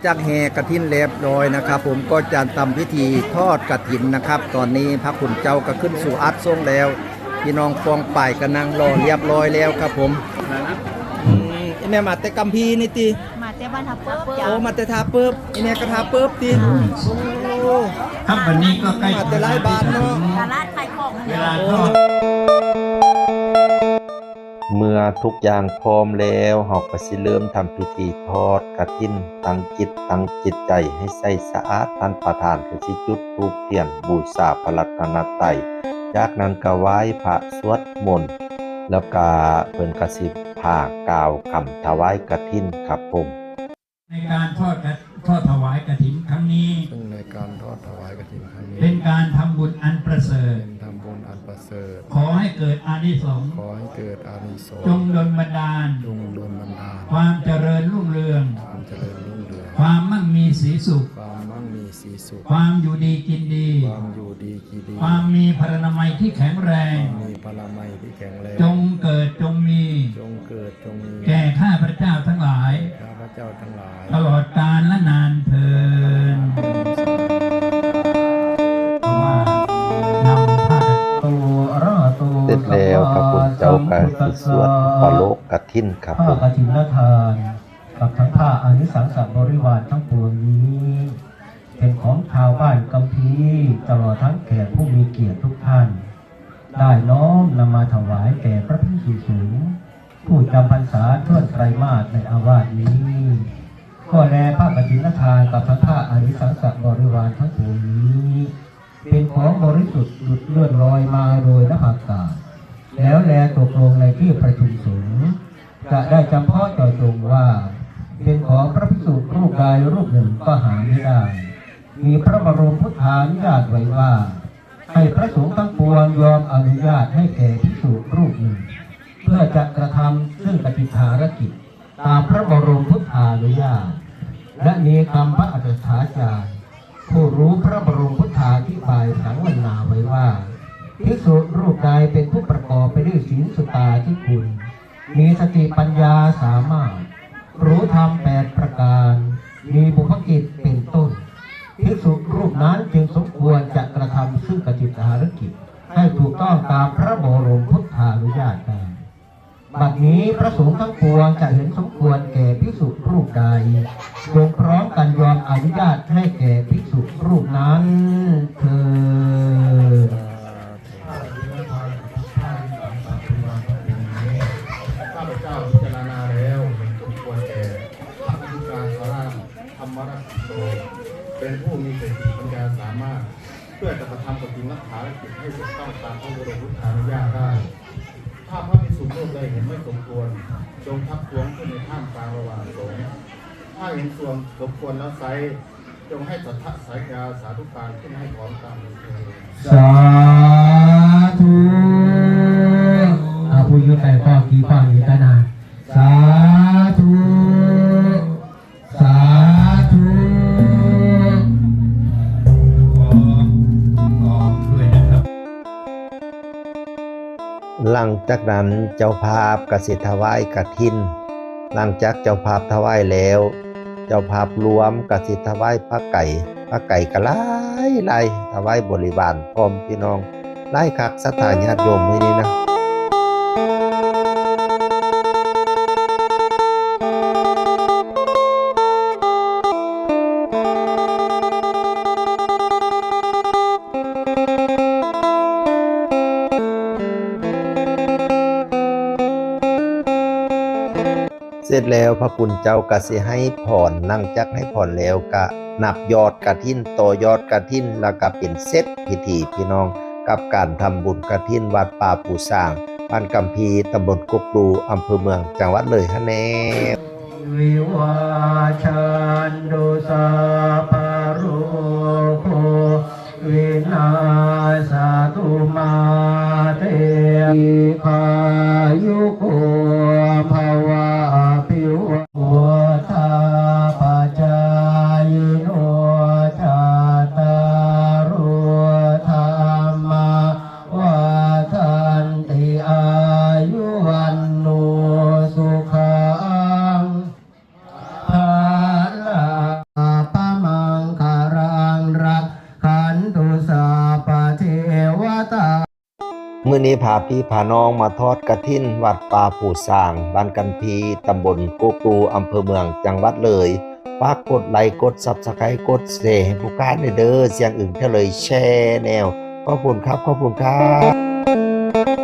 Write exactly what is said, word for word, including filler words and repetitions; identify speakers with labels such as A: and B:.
A: จากแห่กฐินเรียบร้อยนะครับผมก็จะทำพิธีทอดกฐินนะครับตอนนี้พระคุณเจ้าก็ขึ้นสู่อัฐทรงแล้วพี่น้องฟองป่ายกำลังรอเรียบร้อยแล้วครับผมอืมไอแม่มาแต่กัมพีนี่ติ
B: มาแต่บ้านทับเปิ้บ
A: โอ้มาแต่ทาเปิบไอแม่ก็ทาเปิบติโอ้
C: ครับวันนี้ก็ใกล้
A: มาแต่หลายบาทเนาะ
B: ตลาดขายของ
C: เวลาทอด
D: เมื่อทุกอย่างพร้อมแล้วเราก็สิเริ่มทำพิธีทอดกฐินตั้งจิตตั้งจิตใจให้ใสสะอาดท่านประธานก็สิจุดธูปเทียนบูชาพระรัตนตรัยจากนั้นก็ไหว้พระสวดมนต์แล้วก็เพิ่นก็สิพากล่าวคำถวายกฐินครับผม
C: ในการทอดทอดถวายกฐินครั้งนี้
A: ซึ่งในการทอดถวายกฐินครั้งนี้
C: เป็นการทำบุญอันประเสริฐ
A: เป็นทำบุญอันประเสริฐ
C: ขอให้เกิดอานิสงส์
A: ขอให้เกิดอานิสงส์
C: จงดลบันดาล
A: จงดลบันดาล
C: ความเจริญรุ่งเรือง
A: ความเจริญรุ่งเรือง
C: ความมั่งมีสีสุข
A: ความมั่งมีสีสุข
C: ความอยู่ดีกินดี
A: ความอยู่ดีกินดี
C: ความมีพลานามัยที่แข็งแรง
A: มีพลานามัยที่แข็งแรง
C: จงเกิดจงมี
A: จงเกิดจงมี
C: แก่ข้าพระเจ้าทั้งหลาย
A: ข้าพระเจ้าทั้งหลาย
C: ตลอดกาลและนานเทอญ
D: เสร็จแล้วพระคุณเจ้าก็สิสวดปโลกกฐินครับผม
E: ผ้ากฐินทานกับทั้งผ้าอานิสังสบริวารทั้งปวงนี้เป็นของชาวบ้านกัมพีตลอดทั้งแขกผู้มีเกียรติทุกท่านได้น้อมนำมาถวายแก่พระภิกษุสงฆ์ผู้จำพรรษาทั่วไตรมาสในอาวาสนี้ก็แลผ้ากฐินทานกับทั้งผ้าอานิสังสบริวารทั้งปวงนี้เป็นของบริสุทธิ์หลุดเลื่อนลอยมาโดยนภาอากาศแล้วแลตกลงในที่ประชุมสงฆ์จะได้จำเพาะเจาะจงว่าเป็นของพระภิกษุรูปใดรูปหนึ่งก็หาไม่ได้มีพระบรมพุทธานุญาตไว้ว่าให้พระสงฆ์ทั้งปวงยอมอนุญาตให้แก่ภิกษุรูปหนึ่งเพื่อจะกระทำซึ่งปฏิภารกิจตามพระบรมพุทธานุญาตและมีคำพระอัฏฐาจารย์ผู้รู้พระบรมพุทธาธิบายสังวรณาไว้ว่าภิกษุรูปใดเป็นผู้ประกอบไปด้วยศีลสุตาที่คุณมีสติปัญญาสามารถรู้ธรรมแปดประการมีบุพกิจเป็นต้นภิกษุรูปนั้นจึงสมควรจะกระทำซึ่งกฐินภารกิจให้ถูกต้องตามพระบรมพุทธานุญาตได้บัดนี้พระสงฆ์ทั้งปวงจะเห็นสมควรแก่ภิกษุรูปใดจงพร้อมกันยอมอนุญาตให้แก่ภิกษุรูปนั้นเถิด
F: ข้าพเจ้าพิจารณาแล้วสมควรแก่พระธิการสาราธรรมรัตโตเป็นผู้มีสติปัญญาสามารถเพื่อจะกระทำกฐินภารกิจให้ถูกต้องตามพระบรมพุทธานุญาตได้ถ้าพระภิกษุรูปใดเห็นไม่สมควรจงทักท้วงขึ้นในท่ามกลางระหว่างสงฆ์ถ้าเห็นส่วนสมควรแล้วไซจงให้สัทธะสายกาสาธุการขึ้นให้พร้อมตามนี้
E: สาธุอาภูยุไตข้อกี่ข้ออีกกันนะสาธุสาธุ
D: หลังจากนั้นเจ้าภาพก็สิถวายกฐินหลังจากเจ้าภาพถวายแล้วเจ้าภาพรวมก็สิถวายพระไก่พระไก่ก็หลายหลายถวายบริวารพร้อมพี่น้องหลายคักศรัทธาญาติโยมมื้อนี้นะเสร็จแล้วพระคุณเจ้าก็สิให้พรหลังจากให้พรแล้วก็นับยอดกฐินต่อยอดกฐินแล้วก็เป็นเสร็จพิธีพี่น้องกับการทำบุญกฐินวัดป่าปูสร้างบ้านกัมพีตำบลกุกดูอำเภอเมืองจังหวัดเลยฮะแน่
E: วิวาชันดุสาปารุโควินาสตุมาเตภายุโกภวะปิวะทาปัจจายโนจาตารโธรรมวัฏันติอายุวันโนสุขังภาลั
D: มื้อนี้พาพี่พาน้องมาทอดกฐินวัดป่าผู้สร้างบ้านกันพีตำบลโกกตูอำเภอเมืองจังหวัดเลยฝากกดไลค์กด Subscribe กดแชร์ให้ผู้การเด้อเสียงอื่นเท่าเลยแชร์แนวขอบคุณครับขอบคุณครับ